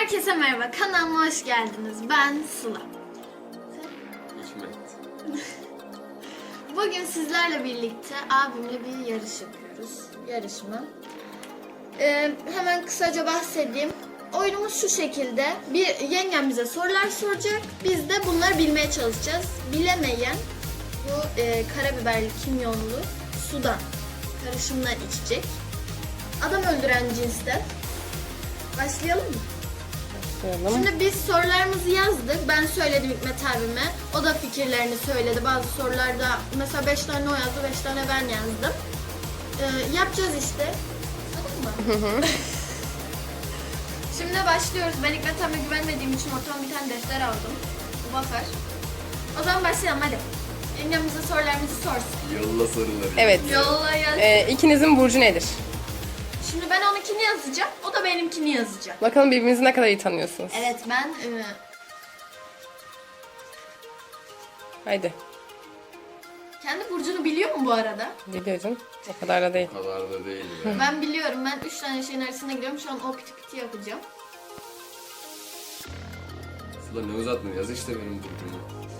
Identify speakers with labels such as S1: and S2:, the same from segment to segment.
S1: Herkese merhaba, kanalıma hoş geldiniz. Ben Sıla.
S2: Hikmet.
S1: Bugün sizlerle birlikte abimle bir yarış yapıyoruz. Yarışma. Hemen kısaca bahsedeyim. Oyunumuz şu şekilde. Yengem bize sorular soracak. Biz de bunları bilmeye çalışacağız. Bilemeyen bu karabiberli, kimyonlu sudan karışımla içecek. Adam öldüren cinsten. Başlayalım mı? Şimdi biz sorularımızı yazdık. Ben söyledim Hikmet abime. O da fikirlerini söyledi. Bazı sorularda mesela 5 tane o yazdı, 5 tane ben yazdım. Yapacağız işte. Tamam mı? Şimdi başlıyoruz. Ben Hikmet abime güvenmediğim için ortama bir tane defter aldım. Bu bakar. O zaman başlayalım hadi. Yengem bize sorularımızı sorsun.
S2: Yolla soruları.
S3: Evet.
S1: Yolla yaz.
S3: İkinizin burcu nedir?
S1: Şimdi ben onunkini yazacağım. O da benimkini yazacak.
S3: Bakalım birbirinizi ne kadar iyi tanıyorsunuz.
S1: Evet ben...
S3: Haydi.
S1: kendi burcunu biliyor mu bu arada?
S3: Biliyorum. O kadar da değil.
S2: O kadar da değil ya.
S1: Ben biliyorum. Ben 3 tane şeyin arasına gidiyorum. Şu an o piti piti yapacağım.
S2: Sıla ne uzattın? Yaz işte benim burcumu.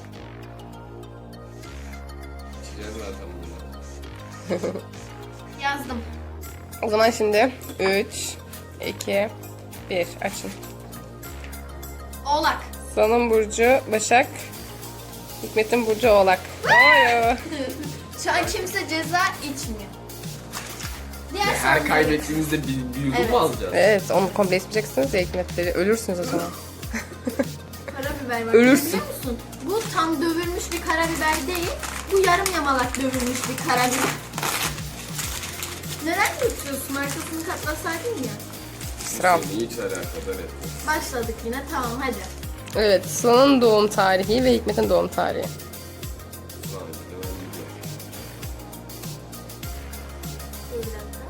S2: İçeceğim zaten bunu.
S1: Yazdım.
S3: O zaman şimdi 3, 2, 1 açın.
S1: Oğlak.
S3: Sıla'nın burcu Başak. Hikmet'in burcu Oğlak. Oyo.
S1: Şu an kimse ceza içmiyor. Diğer
S2: Her
S1: sorulara-
S2: kaybettiğimizde bir yudum
S1: Evet.
S2: mu alacağız?
S3: Evet, onu komple içmeyeceksiniz ya Hikmet'leri. Ölürsünüz o zaman.
S1: Karabiber var.
S3: Ölürsün.
S1: Biliyor musun? Bu tam dövülmüş bir karabiber değil. Bu yarım yamalak dövülmüş bir karabiber. Neden götürüyorsun? Arkasını katlasaydın ya.
S3: Sıra.
S2: Seni hiç alakadar etmez.
S1: Başladık yine. Tamam hadi.
S3: Evet, Sıla'nın doğum tarihi ve Hikmet'in doğum tarihi.
S2: Sıla işte ben biliyorum.
S1: Dur bir dakika.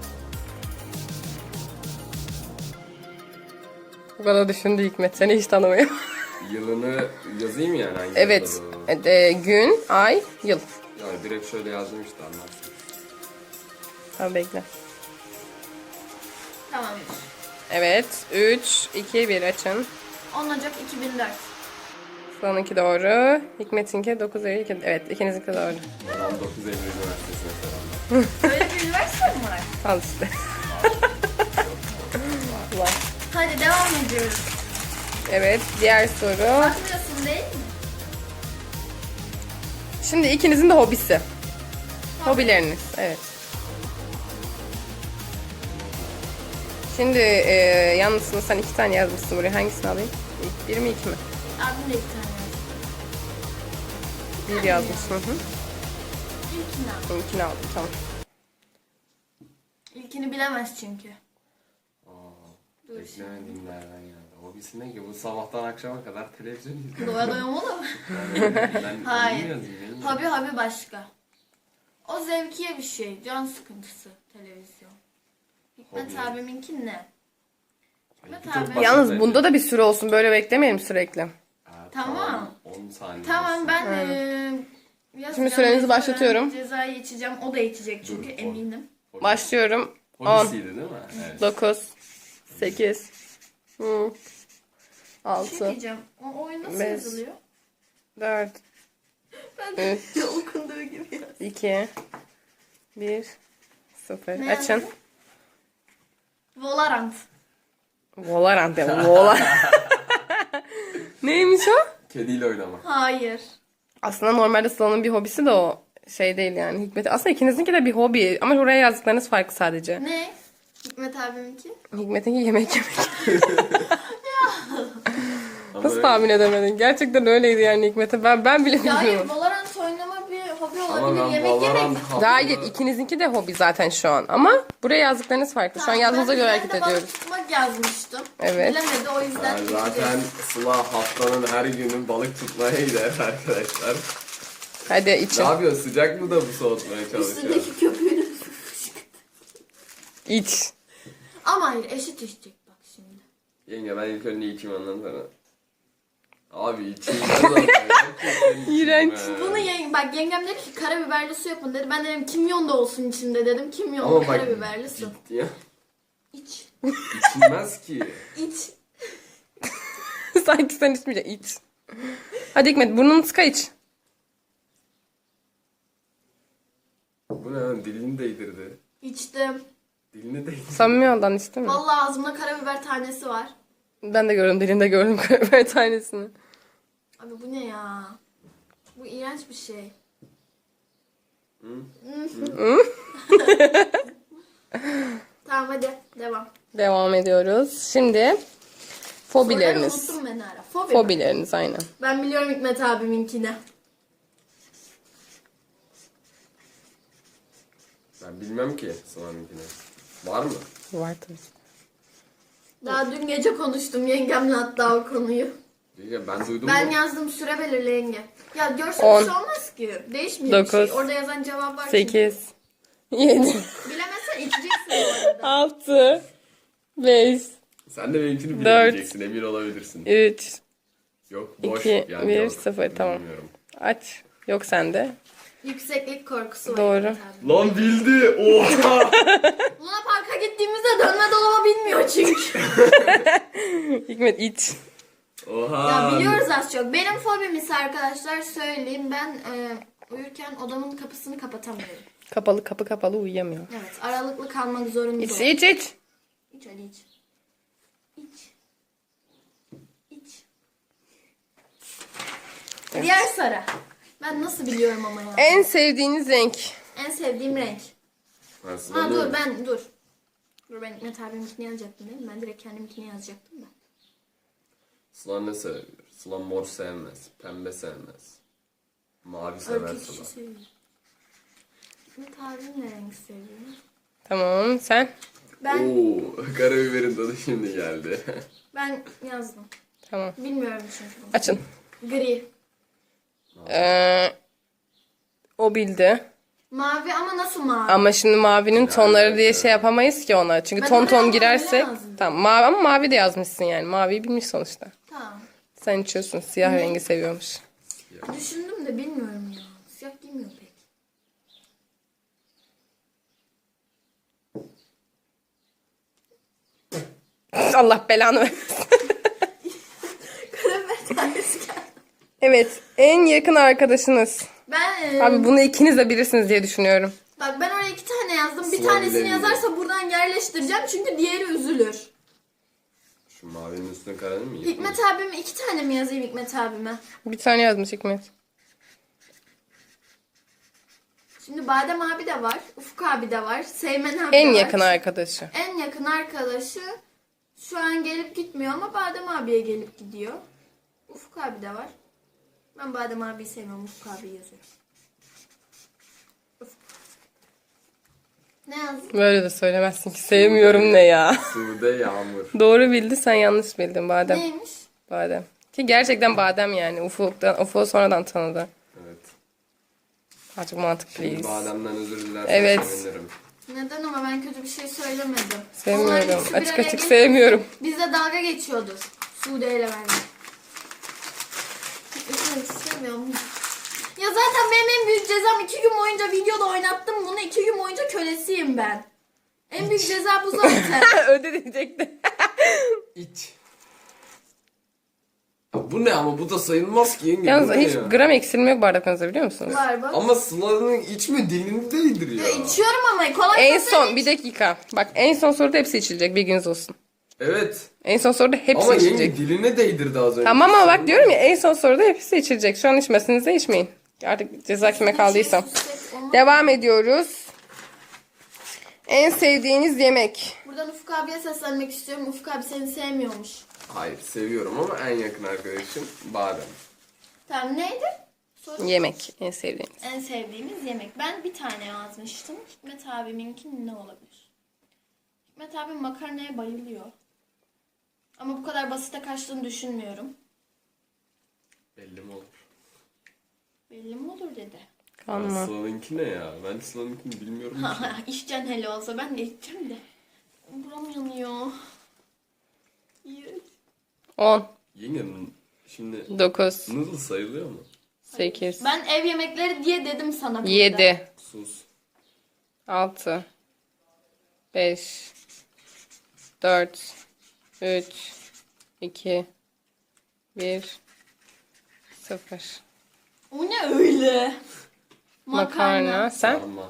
S3: Bana düşündü Hikmet, seni hiç tanımıyor.
S2: Yılını yazayım yani hangi
S3: Evet,
S2: yılda
S3: gün, ay, yıl.
S2: bu? Ya direkt şöyle yazdım işte anlarsın.
S3: Tamam bekle.
S1: Tamam.
S3: Evet, 3, 2, 1 açın.
S1: 10 Ocak 2004.
S3: Sıla'nınki doğru. Hikmet'inki 9 Eylül. Evet, ikinizinki doğru.
S2: 19 Eylül Üniversitesi'ne selamlar.
S1: Böyle bir üniversite mi var?
S3: Al işte. Ulan.
S1: Hadi devam ediyoruz.
S3: Evet, diğer soru.
S1: Bakmıyorsun değil mi?
S3: Şimdi ikinizin de hobisi. Hobileriniz, evet. Şimdi yalnız sen 2 tane yazmışsın buraya. Hangisini alayım? Bir mi 2 mi?
S1: Abim de bir tane yazdı.
S3: Bir yazmışsın. Hı.
S1: İlkini al.
S3: İlkini aldım, tamam.
S1: İlkini bilemez çünkü. Dur
S2: Beklemediğim nereden geldi. Hobisi ne ki? Bu sabahtan akşama kadar televizyon izliyor.
S1: Doya doya mı olur mu?
S2: Ben
S1: Hayır.
S2: onu yazayım, neyi?
S1: Hobi başka. O zevkiye bir şey. Can sıkıntısı televizyon. Hikmet
S2: Hobi.
S1: abiminki ne?
S2: Ay,
S1: Hikmet
S2: çok
S1: abi.
S2: basit
S3: Yalnız
S2: bence.
S3: bunda da bir süre olsun. Böyle beklemeyelim sürekli.
S2: Ha,
S1: Tamam.
S2: 10 saniye.
S1: Tamam
S2: olsun.
S1: ben yazacağım.
S3: Şimdi sürenizi
S1: Mecburen
S3: başlatıyorum.
S1: Cezayı içeceğim. O da içecek çünkü
S2: Dur,
S1: eminim.
S3: Başlıyorum. 10,
S2: Hobisiydi değil mi? Evet.
S3: 9, 8,
S1: Bir şey
S3: 6,
S1: diyeceğim. O oyun nasıl
S3: Beş.
S1: yazılıyor?
S3: 4,
S1: Ben de okunduğu gibi yaz.
S3: 2, 1, 0.
S1: Ne
S3: Açın.
S1: yazdın? Valorant.
S3: Valorant ya. Valorant. Neymiş o?
S2: Kediyle oynamak.
S1: Hayır.
S3: Aslında normalde Sıla'nın bir hobisi de o şey değil yani. Hikmet. Aslında ikinizinki de bir hobi ama oraya yazdıklarınız farklı sadece.
S1: Ne? Hikmet abiminki?
S3: Hikmet'inki yemek yemek.
S2: Ama
S3: Nasıl tahmin edemedin? Gerçekten öyleydi yani Hikmet'e. Ben bile
S1: Ya hayır,
S3: bilmiyorum.
S1: Valorant oynama bir hobi
S2: Ama
S1: olabilir.
S2: ben
S1: Yemek
S2: Valorant
S1: yemek.
S3: Hayır, ikinizinki de hobi zaten şu an. Ama buraya yazdıklarınız farklı. Şu an yazdığınıza göre hareket
S1: Ben de
S3: ediyoruz.
S1: balık tutmak yazmıştım.
S3: Evet.
S1: Bilemedi o yüzden.
S2: Ben zaten Sıla haftanın her günü balık tutmaya gider arkadaşlar.
S3: Hadi
S2: Ne
S3: için.
S2: yapıyor? Sıcak mı da bu soğutmaya çalışıyor?
S1: Üstündeki köpüğünü.
S3: İç.
S1: Ama hayır eşit içecek bak şimdi.
S2: Yenge ben ilk önce içeyim ondan sonra. Abi içeyim zaten.
S3: İğrenç.
S1: Bunu bak yengem dedi ki karabiberli su yapın dedi. Ben dedim kimyon da olsun içinde dedim. Kimyonlu
S2: Ama bak
S1: karabiberli su.
S2: ciddi ya.
S1: İç.
S2: İçilmez ki.
S1: İç.
S3: Sanki sen içmeyeceksin. İç. Hadi Hikmet burnunu tıka iç.
S2: Bu ne lan? Dilini değdirdi.
S1: İçtim.
S2: Dilini değdirdi.
S3: Samimi oldan içtin mi?
S1: Vallahi ağzımda karabiber tanesi var.
S3: Ben de gördüm. Dilinde gördüm karabiber tanesini.
S1: Abi bu ne ya? Bu iğrenç bir şey. Tamam hadi devam.
S3: Devam ediyoruz. Şimdi
S1: Soruları
S3: fobileriniz.
S1: unuttum ben ara. Fobi mi?
S3: Fobileriniz aynen.
S1: Ben biliyorum Hikmet abiminkini.
S2: Ben bilmem ki Sıla'nınkini. Var mı?
S3: Var tabii.
S1: Daha dün gece konuştum yengemle hatta o konuyu.
S2: Ya ben duydum
S1: Ben
S2: mu?
S1: yazdım süre belirle yenge. Ya görsel
S3: 10,
S1: bir şey olmaz ki. Değişmiyor bir şey.
S3: 9,
S1: Orada yazan cevap var. çünkü.
S3: 8, 7,
S1: Bilemezsen içeceksin bu arada.
S3: 6, 5,
S2: Sen de benimkini
S3: Dört.
S2: bilemeyeceksin. Emin olabilirsin.
S3: 3,
S2: Yok boş.
S3: 2,
S2: yani
S3: 1,
S2: yok.
S3: 0. Tamam.
S2: Bilmiyorum.
S3: Aç. Yok sende.
S1: Yükseklik korkusu var.
S3: Doğru.
S1: Hikmet abi.
S2: Lan bildi. Oha.
S1: Luna Park'a gittiğimizde dönme dolaba bilmiyor çünkü.
S3: Hikmet iç.
S2: Oha.
S1: Ya biliyoruz az çok. Benim fobim ise arkadaşlar söyleyeyim. Ben uyurken odamın kapısını kapatamıyorum.
S3: Kapalı kapı kapalı uyuyamıyor.
S1: Evet aralıklı kalmak zorunda.
S3: İç iç iç.
S1: İç hadi iç. İç. İç. Diğer soru. Ben nasıl biliyorum ama ya.
S3: En sevdiğiniz renk.
S1: En sevdiğim renk.
S2: Ben
S1: Ha
S2: Sıla'nın-
S1: dur. Dur ben Hikmet abiminkini yazacaktım değil mi? Ben direkt kendiminkini yazacaktım da.
S2: Sıla ne sever? Sıla mor sevmez. Pembe sevmez. Mavi sever
S1: Örtü
S2: Sıla.
S1: kişi seviyor. Hikmet abim ne renk seviyor?
S3: Tamam sen.
S1: Ben
S2: Oo, karabiberin tadı şimdi geldi.
S1: ben yazdım.
S3: Tamam.
S1: Bilmiyorum çünkü.
S3: Açın.
S1: Gri.
S3: O bildi.
S1: Mavi ama nasıl mavi?
S3: Ama şimdi mavinin tonları diye şey yapamayız ki ona. Çünkü
S1: Ben
S3: ton
S1: oraya
S3: ton
S1: mavi
S3: girersek.
S1: yazdım.
S3: Tamam mavi ama mavi de yazmışsın yani. Maviyi bilmiş sonuçta.
S1: Tamam.
S3: Sen içiyorsun. Siyah rengi seviyormuş.
S1: Düşündüm de bilmiyorum ya. Siyah giymiyor pek.
S3: Allah belanı versin.
S1: Karabiber tanesi geldi.
S3: Evet. En yakın arkadaşınız.
S1: Ben
S3: Abi bunu ikiniz de bilirsiniz diye düşünüyorum.
S1: bak ben oraya 2 tane yazdım. Bir
S2: Sıla
S1: tanesini
S2: bilemiyor.
S1: yazarsa buradan yerleştireceğim çünkü diğeri üzülür.
S2: Şu mavinin üstüne karanı mı?
S1: Hikmet abime 2 tane mi yazayım Hikmet abime?
S3: Bir tane yazmış Hikmet.
S1: Şimdi Badem abi de var. Ufuk abi de var. Seymen abi
S3: En
S1: de var.
S3: yakın arkadaşı.
S1: En yakın arkadaşı şu an gelip gitmiyor ama Badem abiye gelip gidiyor. Ufuk abi de var. Ben Badem abiyi sevmiyorum. Ufuk abiyi yazıyorum. Ufuk. Ne yazdın?
S3: Böyle de söylemezsin ki sevmiyorum ne ya.
S2: Sude Yağmur.
S3: Doğru bildi sen yanlış bildin Badem.
S1: Neymiş?
S3: Badem. Ki gerçekten Badem yani. Ufuk'u sonradan tanıdı.
S2: Evet.
S3: Azıcık mantık
S2: Şimdi
S3: please.
S2: bademden özür dilersen
S3: Evet.
S2: sevinirim.
S1: Neden ama ben kötü bir şey söylemedim. Onlar
S3: Sevmiyorum.
S1: ikisi bir
S3: Açık
S1: araya
S3: açık
S1: gelip
S3: sevmiyorum.
S1: Bizle dalga geçiyordur. Sude ile ben. Sevmiyorum. Ya zaten benim en büyük cezam 2 gün boyunca videoda oynattım bunu. 2 gün boyunca kölesiyim ben. En büyük ceza bu zaten.
S3: Öde diyecekti.
S2: İç. Ya bu ne ama bu da sayılmaz ki yenge.
S3: Yalnız
S2: bu ne
S3: hiç
S2: ya?
S3: gram eksilme yok bardaklarınızda biliyor musunuz?
S1: Var bak.
S2: Ama Sıla'nın içme dilini değdir
S1: Ya
S2: ya.
S1: içiyorum ama kolay
S3: En
S1: olsa
S3: son
S1: iç.
S3: bir dakika. Bak en son soruda hepsi içilecek bilginiz olsun.
S2: Evet.
S3: En son soruda hepsi
S2: Ama yenge
S3: içilecek.
S2: diline değdirdi az önce.
S3: Tamam ama bak diyorum ya en son soruda hepsi içilecek. Şu an içmesiniz de içmeyin. Artık ceza kime kaldıysa. Devam ediyoruz. En sevdiğiniz yemek.
S1: Buradan Ufuk abiye seslenmek istiyorum. Ufuk abi seni sevmiyormuş.
S2: Hayır seviyorum ama en yakın arkadaşım badem.
S1: Tamam neydi? Soru.
S3: Yemek en sevdiğiniz.
S1: En sevdiğimiz yemek. Ben bir tane yazmıştım. Hikmet abiminki ne olabilir? Hikmet abim makarnaya bayılıyor. Ama bu kadar basite kaçtığını düşünmüyorum.
S2: Belli mi olur?
S1: Belli mi olur dedi.
S3: Kanma.
S2: Sıla'nınki ne ya? Ben Sıla'nınkini bilmiyorum ki.
S1: İşten hele olsa ben de içeceğim de. Buram yanıyor. İğrenç.
S3: 10,
S2: Yenge şimdi
S3: 9,
S2: noodle sayılıyor mu?
S3: 8,
S1: Ben ev yemekleri diye dedim sana. burada.
S3: 7,
S2: Sus.
S3: 6, 5, 4, 3, 2, 1 0.
S1: O ne öyle?
S3: Makarna. Sen?
S2: Sarma.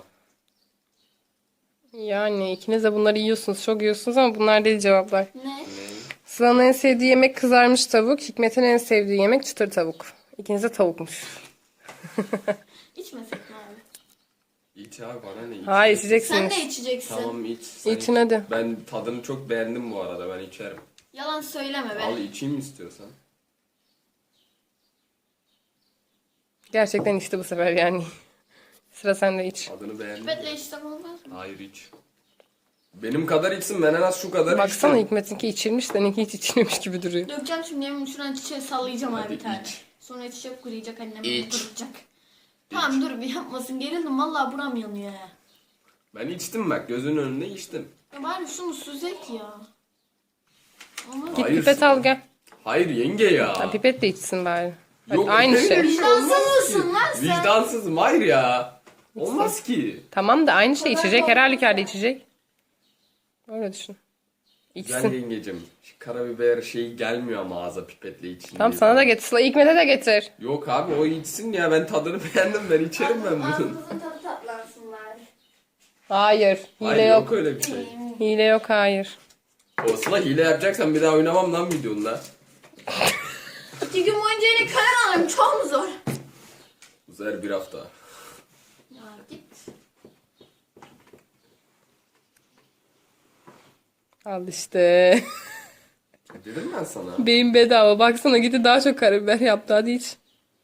S3: Yani ikiniz de bunları yiyorsunuz. Çok yiyorsunuz ama bunlar değil cevaplar.
S1: Ne?
S2: Ne?
S3: Sıla'nın en sevdiği yemek kızarmış tavuk. Hikmet'in en sevdiği yemek çıtır tavuk. İkiniz de tavukmuş.
S1: İçmesek mi abi?
S2: İç abi bana ne iç?
S3: Hayır
S1: Sen
S3: içeceksiniz.
S1: de içeceksin.
S2: Tamam iç. Sen
S3: İçin
S2: iç.
S3: hadi.
S2: Ben tadını çok beğendim bu arada, ben içerim.
S1: Yalan söyleme be.
S2: Al içeyim istiyorsan.
S3: Gerçekten içti bu sefer yani. Sıra sende iç.
S2: Tadını beğendim.
S1: Betle iştem olmaz mı?
S2: Hayır iç. Benim kadar içsin, ben en az şu kadar
S3: Baksana
S2: içtim.
S3: Hikmet'inki içilmiş, seninki hiç içilmemiş gibi duruyor.
S1: Dökeceğim şimdi yemin şuradan çiçeği sallayacağım abi
S2: Hadi
S1: bir tane.
S2: iç.
S1: Sonra çiçek kuruyacak annem
S2: İç.
S1: kuruyacak. Tamam dur bir yapmasın, gerildim vallahi buram yanıyor ya.
S2: Ben içtim bak, gözünün önünde içtim.
S1: Ya bari şunu süzek ya. Ama
S3: Git
S2: Hayır,
S3: pipet al gel.
S2: Hayır yenge ya.
S3: Ha, pipet de içsin bari. Bak,
S2: Yok,
S3: aynı
S2: öyle
S3: şey.
S2: bir
S1: vicdansız
S2: olmaz ki.
S1: mısın lan sen?
S2: Vicdansızım, hayır ya. Olmaz ki.
S3: Tamam da aynı şey içecek. Her halükarda içecek. Öyle düşün.
S2: Güzel
S3: İçsin.
S2: yengecim. Şu karabiber şeyi gelmiyor ama ağza pipetle için.
S3: Tamam sana da getir. Sıla Hikmet'e de getir.
S2: Yok abi o içsin ya, ben tadını beğendim, ben içerim ben bunu.
S1: Ağzınızın tadı tatlansın bari.
S3: Hayır. Hile
S2: Hayır
S3: yok.
S2: öyle bir şey.
S3: Hile yok hayır.
S2: O Sıla hile yapacaksan bir daha oynamam lan videonda.
S1: 2 gün boyunca yine karar alayım, çok mu zor?
S2: Uzar bir hafta.
S1: Ya git.
S3: Al işte.
S2: Dedim ben sana.
S3: Beyin bedava. Baksana gitti daha çok karabiber yaptı. Hadi iç.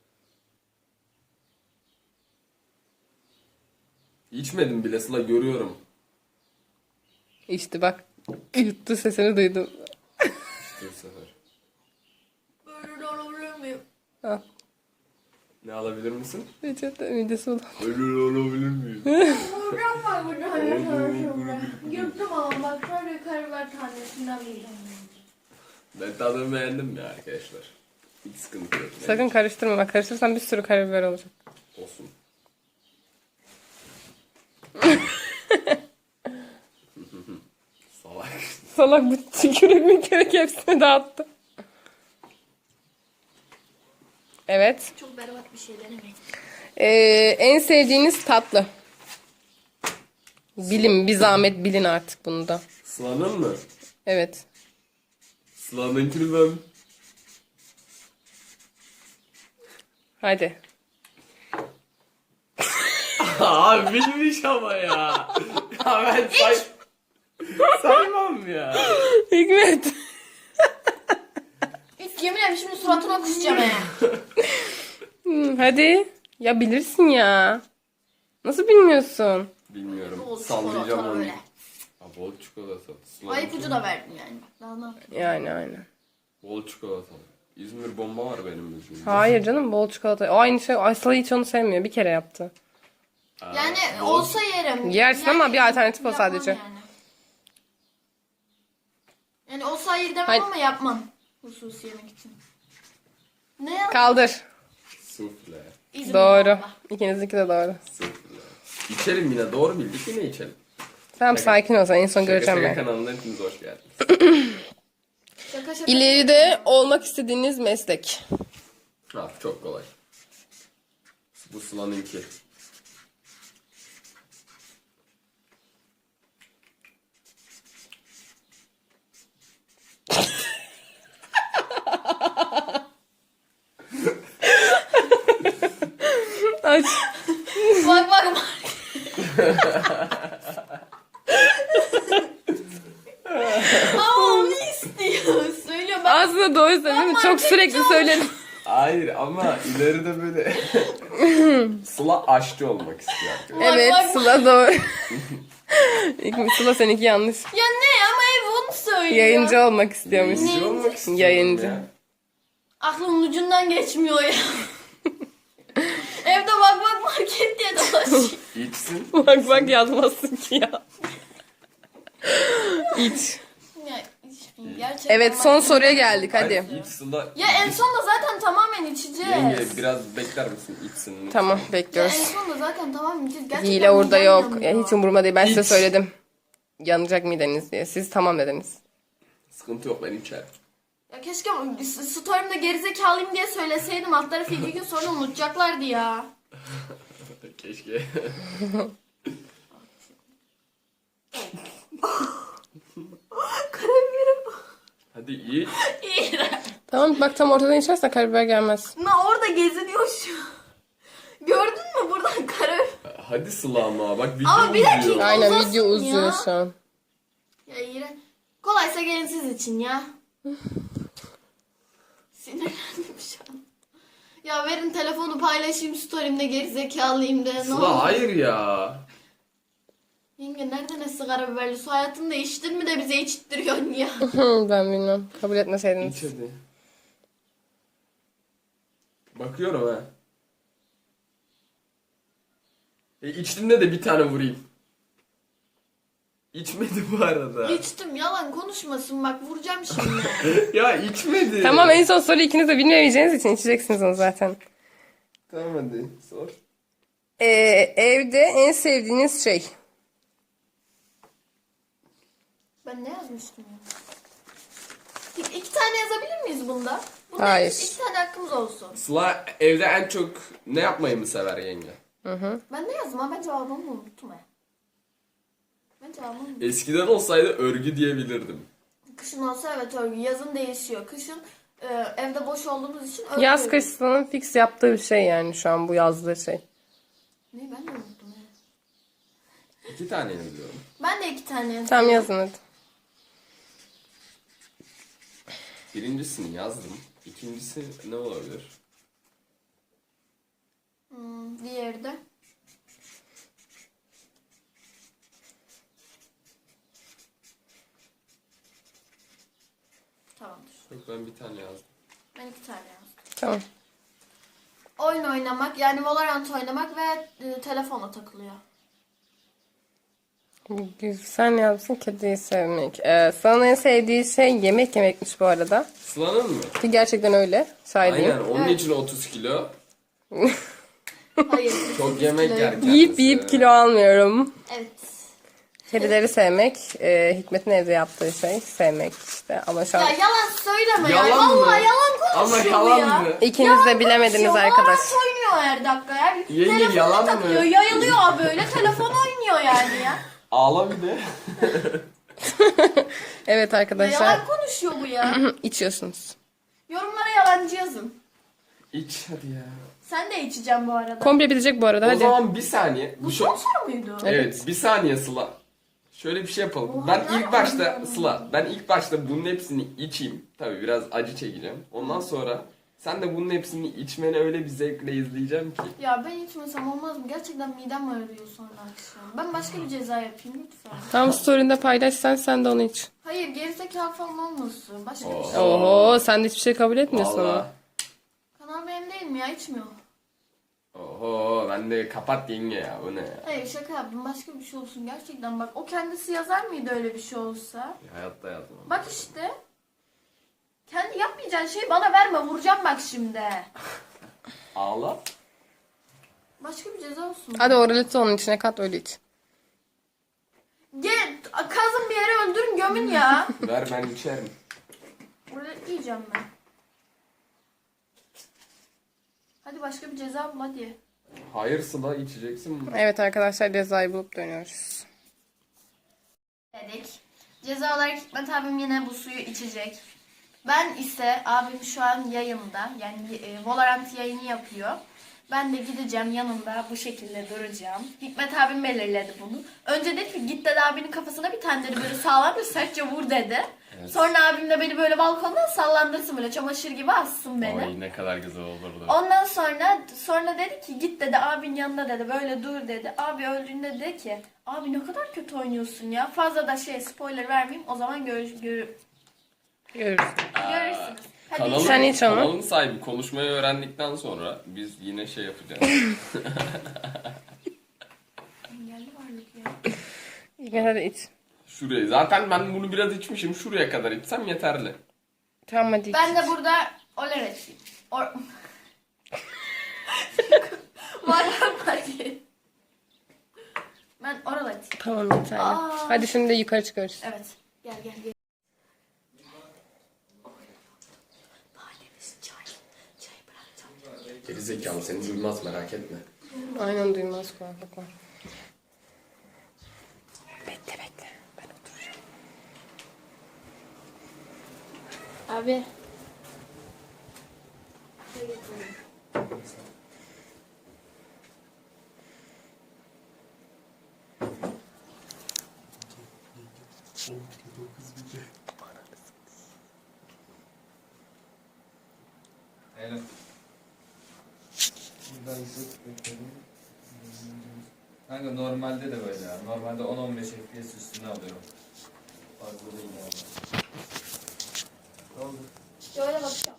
S2: İçmedim bile Sıla, görüyorum.
S3: İçti bak. Yuttu, sesini duydum.
S2: İşte bu sefer.
S1: Böyle de olabilir miyim?
S3: Al.
S2: Ne alabilir misin?
S3: Reçete midesi ulan.
S2: Öyle olabilir miyim?
S1: Buradan var burada hani sonra. Yuttum ama bak şöyle karabiber tanesinden yiyeceğim.
S2: Ben tadını beğendim ya arkadaşlar. Hiç sıkıntı yok.
S3: Sakın karıştırma. Bak karıştırırsan bir sürü karabiber olacak.
S2: Olsun. Salak.
S3: Salak bu tükürük mükürük hepsini dağıttı. Evet.
S1: Çok berbat bir şey denemeyin.
S3: En sevdiğiniz tatlı. Bilin, bir zahmet bilin artık bunu da.
S2: Sıla'nın mı?
S3: Evet.
S2: Sıla'nınkini ben.
S3: Hadi.
S2: Abi bilmiş ama ya. Ya ben saymam ya.
S3: Hikmet.
S1: Hiç yemin ederim şimdi suratına kusacağım ya.
S3: Hadi. Ya bilirsin ya. Nasıl bilmiyorsun?
S2: Bilmiyorum.
S1: Bol
S2: Sallayacağım
S1: çikolata
S2: onu.
S1: böyle.
S2: Ha, bol çikolata.
S1: Ay ipucu da verdim yani. Daha ne yapayım?
S3: Yani aynen.
S2: Bol çikolata. İzmir bomba var benim yüzümde.
S3: Hayır canım bol çikolata. O aynı şey. Aslı hiç onu sevmiyor. Bir kere yaptı.
S1: Yani
S2: bol-
S1: olsa yerim.
S3: Yersin ama bir alternatif o
S1: yapmam
S3: sadece.
S1: Yani olsa hayır demem
S3: Hayır.
S1: ama yapmam. Hususi yemek için. Ne ya?
S3: Kaldır.
S2: Sufle.
S1: İzmir
S3: Doğru.
S1: bomba.
S3: İkinizinki de doğru.
S2: Sufle. İçelim yine, doğru bildik, yine içelim.
S3: Tamam sakin ol sen. En son
S2: Şaka
S3: göreceğim
S2: Şaka
S3: ben.
S2: kanalına hepiniz hoş geldiniz.
S1: Şaka şaka.
S3: İleride olmak istediğiniz meslek.
S2: Ha, çok kolay. Bu Sıla'nınki.
S3: Aç.
S1: Bak bak bak. Ama onu istiyor. Söylüyorum ben.
S3: Aslında doğru söyledin. Çok sürekli söyledim.
S2: Hayır ama ileride böyle Sıla aşçı olmak istiyor arkadaşlar.
S3: Evet
S1: bak, bak.
S3: Sıla doğru. Sıla seninki yanlış.
S1: Ya ne ama ev onu söylüyor.
S3: Yayıncı olmak istiyormuş.
S2: Yayıncı olmak istiyorum
S3: Yayıncı.
S2: ya.
S1: Aklımın ucundan geçmiyor ya. Evde bak bak market diye dolaşıyor.
S2: İçsin.
S3: Bak bak yazmazsın ki ya. İç.
S1: Ya içmeyeyim gerçekten.
S3: Evet
S1: bak.
S3: son soruya geldik hadi.
S2: Hayır, iç Sıla.
S1: Ya en sonunda zaten tamamen içeceğiz.
S2: Yenge biraz bekler misin, içsin lütfen.
S3: Tamam
S1: Ya en
S3: bekliyoruz.
S1: sonunda zaten tamamen içeceğiz. Gerçekten
S3: Hile orada
S1: midem
S3: yok.
S1: yanıyor.
S3: Ya hiç umurumda değil. Ben size
S2: İç.
S3: söyledim. Yanacak mideniz diye. Siz tamam dediniz.
S2: Sıkıntı yok, ben içerim.
S1: Ya keşke story'imde gerizekalıyım diye söyleseydim. Alt tarafı 2 gün sonra unutacaklardı ya.
S2: Keşke.
S1: Karabiberim.
S2: Hadi iyi.
S1: İğrenç.
S3: Tamam bak tam ortadan içersen karabiber gelmez.
S1: Orada geziniyor şu. Gördün mü buradan karabiber?
S2: Hadi Sıla ama bak video
S1: Ama bir dakika.
S2: uzuyor.
S3: Aynen
S1: Uzasın
S3: video
S1: ya.
S3: uzuyor şu an.
S1: Ya iğrenç. Kolaysa gelin siz için ya. Sinirlendim şu an. Ya verin telefonu paylaşayım story'imde gerizekalıyım de. Ne
S2: Sıla
S1: olur.
S2: hayır ya.
S1: Yenge nereden esti karabiberli su? Hayatında içtin mi de bize içittiriyorsun ya.
S3: Ben bilmem. Kabul etmeseydiniz.
S2: İç hadi. Bakıyorum ha. İçtiğimde de bir tane vurayım. İçmedi bu arada.
S1: İçtim yalan konuşmasın bak vuracağım şimdi.
S2: Ya içmedi.
S3: Tamam en son soruyu ikiniz de bilmeyeceğiniz için içeceksiniz onu zaten.
S2: Tamam hadi sor.
S3: Evde en sevdiğiniz şey.
S1: Ben ne yazmıştım ya? İki tane yazabilir miyiz bunda? Bunda
S3: Hayır.
S1: iki tane hakkımız olsun.
S2: Sıla evde en çok ne yapmayı mı sever yenge?
S1: Ben ne yazdım ha? Ben cevabımı unuttum ha. Ben cevabımı unuttum.
S2: Eskiden olsaydı örgü diyebilirdim.
S1: Kışın olsa evet örgü. Yazın değişiyor. Kışın evde boş olduğumuz için örgü.
S3: Yaz kış Sıla'nın fix yaptığı bir şey yani şu an bu yazdığı şey.
S1: Ne ben de unuttum ya.
S2: 2 tane yazıyorum.
S1: Ben de iki tane yazdım.
S3: Tamam yazın hadi.
S2: Birincisini yazdım. İkincisi ne olabilir?
S1: Diğeri de. Tamamdır.
S2: Yok ben bir tane yazdım.
S1: Ben iki tane yazdım.
S3: Tamam.
S1: Oyun oynamak yani Valorant oynamak ve telefona takılıyor.
S3: Sen yazsın kediyi sevmek. Sana en sevdiği şey yemek yemekmiş bu arada.
S2: Sıla'nın mı?
S3: Ki gerçekten öyle. Saydayım.
S2: Aynen onun
S1: Evet.
S2: için 30 kilo.
S1: Hayır.
S2: Çok yemek yer kendisi.
S3: Yiyip kilo almıyorum.
S1: Evet.
S3: Kedileri sevmek. Hikmet'in evde yaptığı şey. Sevmek işte. Ama şu an
S1: Ya yalan söyleme ya.
S2: Yalan mı?
S1: Vallahi yalan
S2: Ama
S1: konuşuyor bu
S2: yalan
S1: ya.
S2: mı?
S3: ikiniz de bilemediniz
S1: Konuşuyor,
S3: arkadaş.
S1: Valorant oynuyor her dakika ya.
S2: Yenge,
S1: Telefona
S2: yalan mı?
S1: takılıyor. Yayılıyor böyle. Telefon oynuyor yani ya.
S2: Ağla bir de.
S3: Evet arkadaşlar.
S1: Yalan konuşuyor bu ya.
S3: içiyorsunuz.
S1: Yorumlara yalancı yazın.
S2: İç hadi ya.
S1: Sen de içeceğim bu arada.
S3: Komple bitecek bu arada
S2: O
S3: hadi.
S2: zaman bir saniye.
S1: Bu son soru muydu?
S2: Evet bir saniye Sıla. Şöyle bir şey yapalım.
S1: Oha,
S2: Ben
S1: nereden
S2: ilk başta
S1: bildin?
S2: Sıla, ben ilk başta bunun hepsini içeyim. Tabii biraz acı çekeceğim. Ondan sonra sen de bunun hepsini içmeni öyle bir zevkle izleyeceğim ki.
S1: Ya ben içmesem olmaz mı? Gerçekten midem ağrıyor sonra akşam. Ben başka bir ceza yapayım lütfen.
S3: Tam story'inde paylaşsan sen de onu iç.
S1: Hayır gerizekalı falan olmasın. Başka bir şey.
S3: Oho sen de hiçbir şey kabul etmiyorsun ama.
S2: Vallahi.
S1: Kanal benim değil mi ya? İçmiyor.
S2: Oho ben de kapat yenge ya bu ne ya.
S1: Hayır şaka yaptım. Başka bir şey olsun. Gerçekten bak. O kendisi yazar mıydı öyle bir şey olsa?
S2: Hayatta yazmam.
S1: Bak işte. Kendi yapmayacağın şeyi bana verme. Vuracağım bak şimdi.
S2: Ağla.
S1: Başka bir ceza olsun.
S3: Hadi oraleti onun içine kat öyle iç.
S1: Gel kazın bir yere öldürün gömün ya.
S2: Ver ben içerim.
S1: Orada yiyeceğim ben. Hadi başka bir ceza bul hadi.
S2: Hayır Sıla içeceksin mi?
S3: Evet arkadaşlar cezayı bulup dönüyoruz.
S1: Dedik. Ceza olarak Hikmet abim yine bu suyu içecek. Ben ise abim şu an yayında yani Valorant yayını yapıyor. Ben de gideceğim yanında bu şekilde duracağım. Hikmet abim belirledi bunu. Önce dedi ki git dedi abinin kafasına bir tane dedi böyle sağlam bir sertçe vur dedi.
S2: Evet.
S1: Sonra abim de beni böyle balkondan sallandırsın böyle çamaşır gibi assın beni.
S2: Ay ne kadar güzel olurdu.
S1: Ondan sonra dedi ki git dedi abin yanında dedi böyle dur dedi. Abi öldüğünde dedi ki abi ne kadar kötü oynuyorsun ya. Fazla da spoiler vermeyeyim o zaman
S3: Görürüz.
S1: görürsünüz. Hadi
S2: Kanalın,
S3: Sen iç onu.
S2: kanalın sahibi konuşmayı öğrendikten sonra biz yine şey yapacağız.
S1: engelli varlık ya.
S3: Hikmet hadi iç.
S2: Şuraya. Zaten ben bunu biraz içmişim. Şuraya kadar içsem yeterli.
S3: Tamam hadi iç.
S1: Ben de burada oler eteyim. Var hadi. Ben oral eteyim.
S3: Tamam yeterli. Hadi şimdi de yukarı çıkıyoruz.
S1: Evet. Gel gel gel.
S2: Gerizekalı seni duymaz merak etme.
S3: Aynen duymaz kulaklık var. Bekle bekle. Ben oturacağım.
S1: Abi.
S4: Evet. Kanka normalde de böyle ya. Normalde 10-15 FPS üstüne alıyorum. Fazla değil yani. Ne oldu?
S1: Şöyle bakacağım.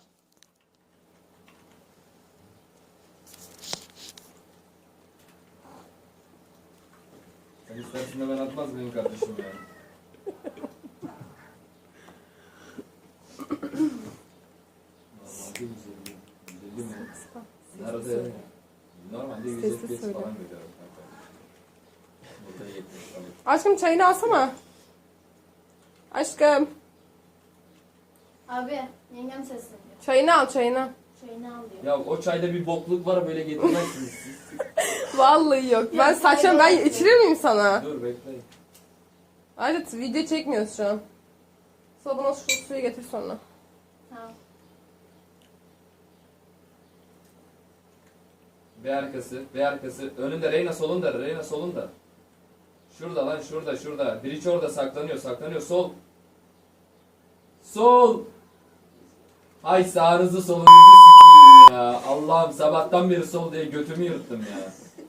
S4: Sen istersin de ben atmaz mıyım kardeşim ya? Normalde 150. 150 mi? Nerede? Normalde 100
S3: Sesli
S4: FPS
S3: söyle.
S4: falan görüyorum kanka. Burada 70 falan.
S3: Aşkım çayını alsana. Aşkım.
S1: Abi yengem sesleniyor.
S3: Çayını al çayını.
S1: Çayını al diyor.
S4: Ya o çayda bir bokluk var böyle getirmezsiniz siz.
S3: Vallahi yok. Ben
S1: Ya,
S3: saçma ben içirir miyim sana?
S4: Dur bekleyin.
S3: Ayrıca video çekmiyoruz şu an. Sonra bana şu suyu getir sonra.
S1: Tamam.
S4: B arkası. Önünde Reyna solunda, Reyna solunda. Şurada lan, şurada. Biriç orada saklanıyor. Sol. Sol. Hay sağınızı solunuzu sikiyim ya. Allah'ım sabahtan beri sol diye götümü yırttım ya.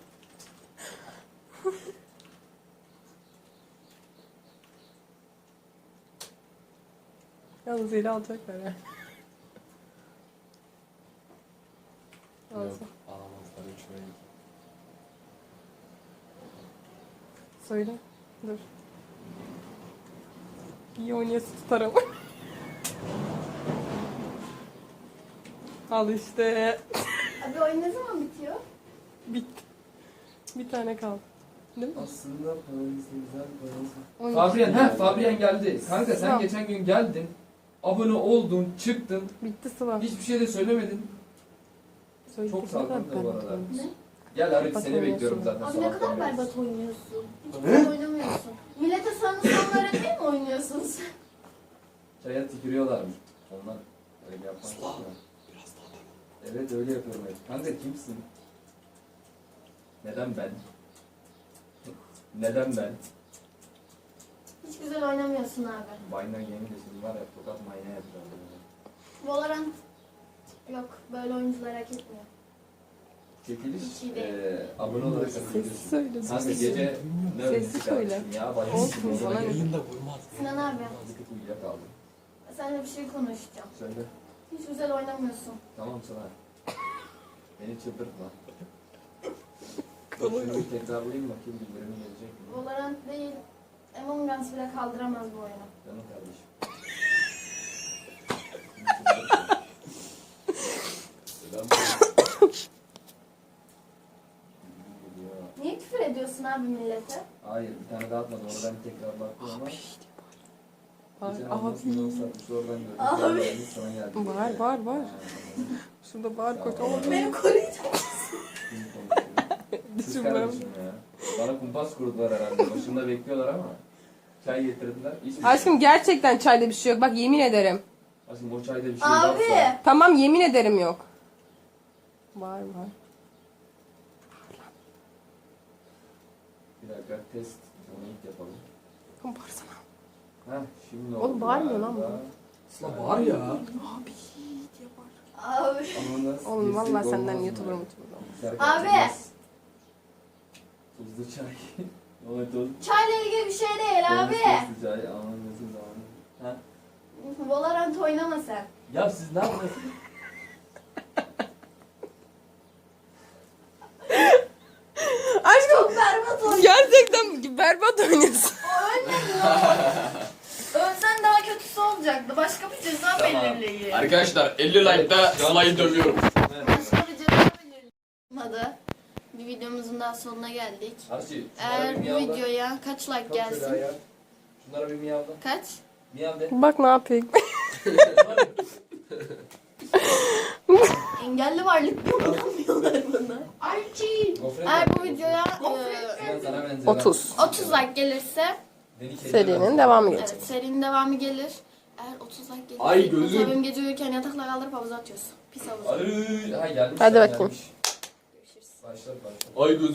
S3: Yalnız eli alacaklar ya. Alsın.
S2: Alamazlar 3 ve
S3: Söyle. Dur. İyi oynayası tutarım. Al işte.
S1: Abi oyun ne zaman bitiyor?
S3: Bitti. Bir tane kaldı. Değil mi?
S4: Aslında paranız güzel paranız.
S3: 12.
S4: Fabian geldi. Kanka sen
S3: Tamam.
S4: geçen gün geldin. Abone oldun, çıktın.
S3: Bitti sıva.
S4: Hiçbir şey de söylemedin.
S3: Söyledik,
S4: çok
S3: ne
S4: salgın
S3: kadar
S4: da bu arada.
S3: berbat.
S1: Ne?
S4: Gel Arif
S3: Bak
S4: seni
S3: oynuyorsun.
S4: bekliyorum zaten.
S1: Abi ne kadar
S4: sabahtan beri.
S1: berbat oynuyorsun. Hiç güzel oynamıyorsun. Millete sanı sonlara değil mi oynuyorsun sen?
S4: Çaya tükürüyorlarmış. Onlar öyle yapmaz ya. Evet öyle yapıyorum hep. Kanka kimsin? Neden ben? Neden ben?
S1: Hiç güzel oynamıyorsun abi.
S4: Vine'dan yemin de şimdi var ya tokat mayna yapacağım.
S1: Valorant yok. Böyle oyuncular hak etmiyor.
S4: Çekiliş
S1: Hiç iyi değil.
S4: abone olarak
S3: Sessiz
S4: katılıyorsun.
S3: söyle.
S4: Kanka
S3: Sessiz
S4: gece
S3: söyle.
S4: ne
S3: Sessiz
S4: öğrenci
S3: söyle.
S4: kardeşim ya? Bayağı
S3: Olsun,
S4: sıkıldım.
S3: sana ne?
S2: Yayında vurmaz.
S1: Sinan abi,
S4: Azıcık uyuyakaldım.
S1: seninle bir şey konuşacağım.
S4: Söyle.
S1: Hiç güzel oynamıyorsun.
S4: Tamam sana. Beni çıldırtma. Şunu bir tekrarlayayım bakayım bildirimi gelecek mi?
S1: Valorant değil, Among Us bile kaldıramaz bu oyunu.
S4: Canım kardeşim.
S1: Niye küfür ediyorsun abi millete?
S4: Hayır bir tane daha atmadı oradan tekrar baktım ama geçen
S3: Abi.
S4: anlasını satmış oradan gördüm.
S1: Abi.
S4: Geldi, sana geldi.
S3: Var. Şurada bağır koç ama
S1: Beni koruyacak.
S4: Kim konuşuyor? Kız
S3: düşünmem.
S4: kardeşim ya. Bana kumpas kurdular herhalde. Başında bekliyorlar ama. Çay getirdiler. Hiçbir şey.
S3: Aşkım gerçekten çayda bir şey yok. Bak yemin ederim.
S4: Aşkım o çayda bir şey
S1: Abi.
S4: varsa.
S3: Tamam yemin ederim yok. Var.
S4: Bir dakika test. Onu ilk yapalım.
S3: Oğlum bağırsana.
S4: Heh şimdi
S3: Oğlum
S4: oldu
S3: bağırmıyor
S4: galiba.
S3: lan
S2: Asla var ya.
S1: Abi.
S4: Ama nasıl
S3: Oğlum
S4: girsek
S3: vallahi senden
S4: olmaz mı?
S3: YouTuber mu?
S4: Serkan
S1: Abi.
S4: Çıkmaz. Tuzlu çay. O tuz.
S1: Çayla ilgili bir şey değil abi.
S4: Tuzlu çay. Aman nasıl zaman. Ha?
S1: Valorant oynama sen.
S4: Ya siz ne yapıyorsunuz?
S3: Aşkım
S1: Çok berbat oynuyorsun.
S3: gerçekten berbat oynuyorsun.
S1: Ölsen daha kötüsü olacaktı. Başka bir ceza
S4: Tamam.
S1: belirleyin.
S2: Arkadaşlar 50 like'da Sıla'yı dövüyorum.
S1: Başka bir ceza belirleyin. Bir videomuzun daha sonuna geldik.
S4: Arşi,
S1: Eğer bu videoya kaç like gelsin?
S4: Şunlara bir miyavla.
S1: Kaç?
S4: Miyav de.
S3: Bak ne yapayım.
S1: Engelli varlık kullanamıyor.
S4: Gofret
S1: Eğer bu
S4: yapıyor.
S1: videoya
S4: Sinan sana benzer.
S3: 30.
S1: 30 like gelirse
S4: Beni kediye
S3: Serinin
S4: benzer.
S3: devamı gelecek.
S1: evet serinin devamı gelir. Eğer 30 like gelirse
S2: Ay, gözüm.
S1: mesela benim gece uyurken yatakla kaldırıp havuza atıyoruz. Pis havuza.
S4: Ay, ha gelmiş.
S3: Hadi
S4: ya,
S3: bakayım.
S4: gelmiş. Başlat başlat.
S2: Ay gözüm.